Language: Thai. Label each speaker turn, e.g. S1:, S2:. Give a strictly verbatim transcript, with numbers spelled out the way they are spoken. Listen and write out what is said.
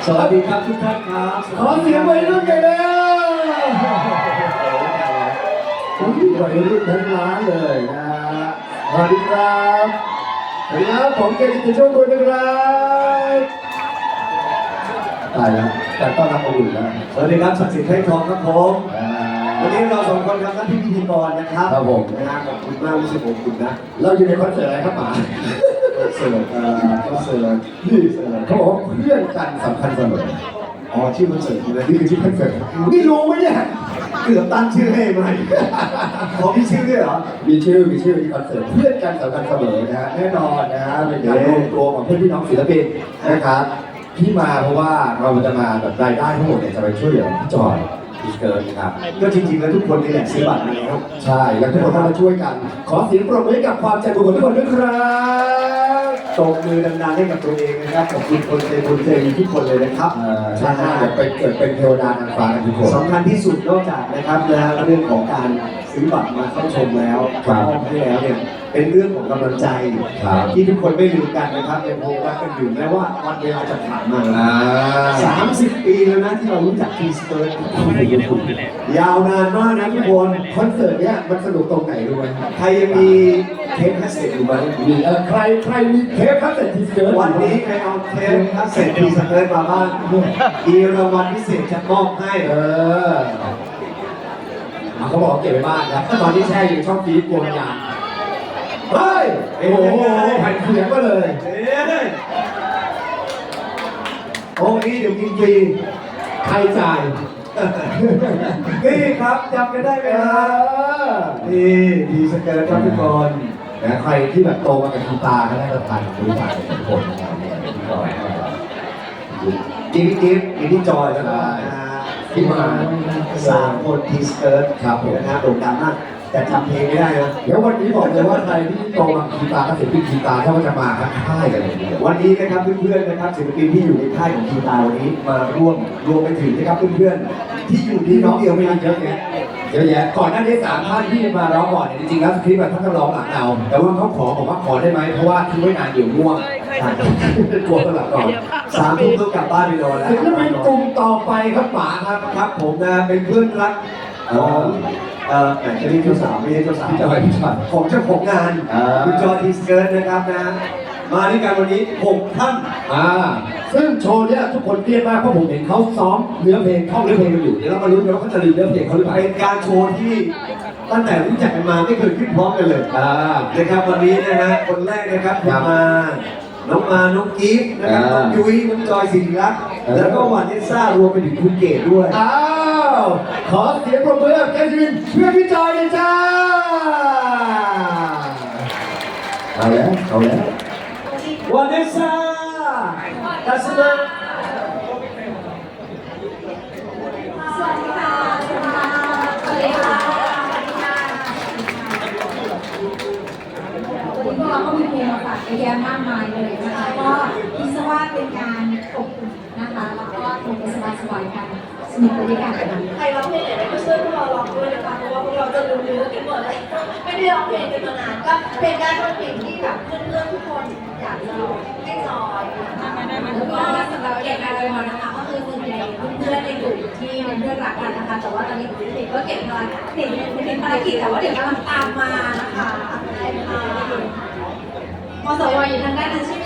S1: สวัสดีครับทุกท่านครับ
S2: ขอเสียงวัยรุ่นกันแล้วผมวัยรุ่นทั้งร้านเลยนะสวัสดีครับสวัสดีครับผมเกจิตโชคบุญนะครับตายแล้วแต่ต้อนรับอบอุ่นแล้ว
S1: สวัสดีครับศักดิ์สิทธิ์ไทยทองครับผมวันนี้เราสองคนทำหน้าที่พิธีกรนะครับ
S2: ครับผม
S1: นะฮะขอบคุณมากไม่ใช่ผมคุณนะ
S2: เราอยู่ในคอนเสิร์ตอะไรครับป๋า
S1: คอนเสิร์ตเอ่อคอนเสิร์ตนี่เสิร์ต
S2: เขาบอกว่าเพื่อนกันสำคัญเสมอ
S1: อ๋อชื่อคอนเสิร์ตนะ
S2: นี่คือชื่อคอนเสิร์ตนี่รู้ไหมเนี่ย
S1: เกือบตั้งชื่อให้ไหมขอพี่ชื่อด้วยเหรอ
S2: มีชื่อมีชื่อมีคอนเสิร์ตเพื่อนกันสำคัญเสมอนะฮะแน่นอนนะฮะเป็นการรวมตัวของเพื่อนพี่น้องศิลปินนะครับที่มาเพราะว่าเราจะมาแบบรายได้ทั้งหมดเนี่ยจะไปช่วยเหลือพี่จอยพี่เกิร์ลครับ
S1: ก็จริงๆแล้วทุกคนนี่แหละซื้อบัตรมาแล้ว
S2: ใช่แล้วทุกคนต้องมาช่วยกันขอเสียงปรบมือให้กับความใจบุญของทุกคนด้วยครับ
S1: ตบมือดังๆให้กับตัวเองนะครับขอบคุณคนใจบุญใจดีทุกคนเลยนะครับ
S2: ใช่เดี๋ยวไปเกิดเป็นเทวดานางฟ้ากันทุกคน
S1: สำคัญที่สุดนอกจากนะครับนะเรื่องของการซื้อบัตรมาเข้าชมแล้วมอบให้แล้วเนี่ยเป็นเรื่องของกำลังใจที่ทุกคนไม่ลืมกันนะครับยังคงรักกันอยู่แม้ว่าวันเวลาจะผ่านมาสามสิบปีแล้วนะที่เรารู้จักทีสเปิร์ตยาวนานมากนะทุกคน
S2: คอนเสิร์ตเนี้ยมันสนุกตรงไหนรู้ไหม
S1: ใครยังมีเทปคาสเซ็ตอยู่ไหม
S2: มีเออใครใครมีเทปคาสเซ็ตทีสเปิร์ต
S1: วันนี้ใครเอาเทปคาสเซ็ตทีสเปิร์ตมาบ้างมีรางวัลพิเศษจะมอบให้
S2: เออเขาบอกเก็บไว้บ้านครับตอนที่แช่อยู่ช่องฟีดกลัวมันยางเฮ้ยโอ้โหแผ่นเสียงก็เลย
S1: โอ้นี่เดี๋ยวกินฟรี
S2: ใครจ่าย
S1: นี่ครับจำกันได้ไหมครับนี่ดีสเกิร์ตครับทุกคน
S2: นะใครที่แบบโตมากับกีตาร์ก็ได้ประทานรู้จักทุกคน
S1: กิฟต์กิฟต์กิฟต์จอยแล้วก็ที่มาสามคนทีสเกิร์ต
S2: ครับผม
S1: นะโด่งดังมากแต่จำเพลงไม่ได้นะ
S2: แล้ววันนี้บอกเลยว่าใครที่โตมากีตาร์ก็ศิลปินกีตาร์ถ้าว่าจะมาทั้งค่ายกันเลย
S1: วันนี้นะครับเพื่อนๆนะครับศิลปินที่อยู่ในค่ายของกีตาร์วันนี้มาร่วมรวมไปถึงนะครับเพื่อนๆที่อยู่ที่น้องเดียวไม่ได้เยอะแยะ
S2: เยอะแยะก่อนหน้านี้สามท่านที่มาร้องก่อนเนี่ยจริงๆแล้วสคริปต์ท่านก็ร้องหลังเราแต่ว่าเขาขอบอกว่าขอได้ไหมเพราะว่าทิ้งไว้นานเดี๋ยวง่วงกลัวสลับก่อน
S1: สามทุ่มต้องกลับบ้านไปนอนแล้ว
S2: ศิลปินกลุ่มต่อไปครับป๋าครับ
S1: ครับผมนะเป็นเพื่อนรักของเอ่อแต่จะเรียกเจ้าสาวไม่ใช่เจ้าสาว
S2: พี่จอยพี่จอย
S1: ของเจ้าของงานคุณจอยทีสเกิร์ตนะครับนะมาด้วยกันวันนี้หกท่าน
S2: อ่าซึ่งโชว์เนี้ยทุกคนเครียดมากเพราะผมเห็นเขาซ้อมเนื้อเพลงท่องเนื้อเพลงกันอยู่เดี๋ยวเรามาลุ้นกันว่าเขาจะลืมเนื้อเพลงเขาหรือเปล่า
S1: เป็นการโชว์ที่ตั้งแต่รู้จักกันมาไม่เคยขึ้นพร้อมกันเลย
S2: อ่า
S1: นะครับวันนี้นะฮะคนแรกนะครับคุณมาน้องมาน้องกีฟนะครับน้องยุ้ยน้องจอยศิริรักษ์แล้วก็วันเอซ่ารวมไปถึงคุณเกดด้วย
S2: อ้าวขอเสียงปรบมือแกจินเพื่อพี่จอยเลยจ้าเอาแล้วเอาแล้ว
S1: วันเอซ่าทัศนะ
S3: สวัสดีค่ะสวัสดีค่ะวันนี้พวกเราก็มีเพลงมาฝากเยอะแยะมากมายเลยนะคะก็คิดซะว่าเป็นการอบอุ่นนะคะแล้วก็โทรไปสบายๆกันสนุกไปด้วยกัน
S4: ใครร้องเพลงไหนก็ช่วยพวกเราร้องด้วยนะคะเพราะว่าพวกเราจะลืมเนื้อกันหมดเลยไม่ได้ร้องเพลงกันมานานก็เป็นการร้องเพลงที่แบบเพื่อนๆทุกคนอยากจะร้องให้จอย
S3: แล้วก็สำหรับเก็บงานเลยนะคะก็คือส่วนใหญ่เพื่อนในกลุ่มที่เป็นเพื่อนรักกันนะคะแต่ว่าตอนนี้เด็กก็เก็บภารกิจเด็กเป็นภารกิจแต่ว่าเดี๋ยวกำลังตามมานะคะใช่ค่ะมสวอยู่ทางด้านนั้นใช่ไหม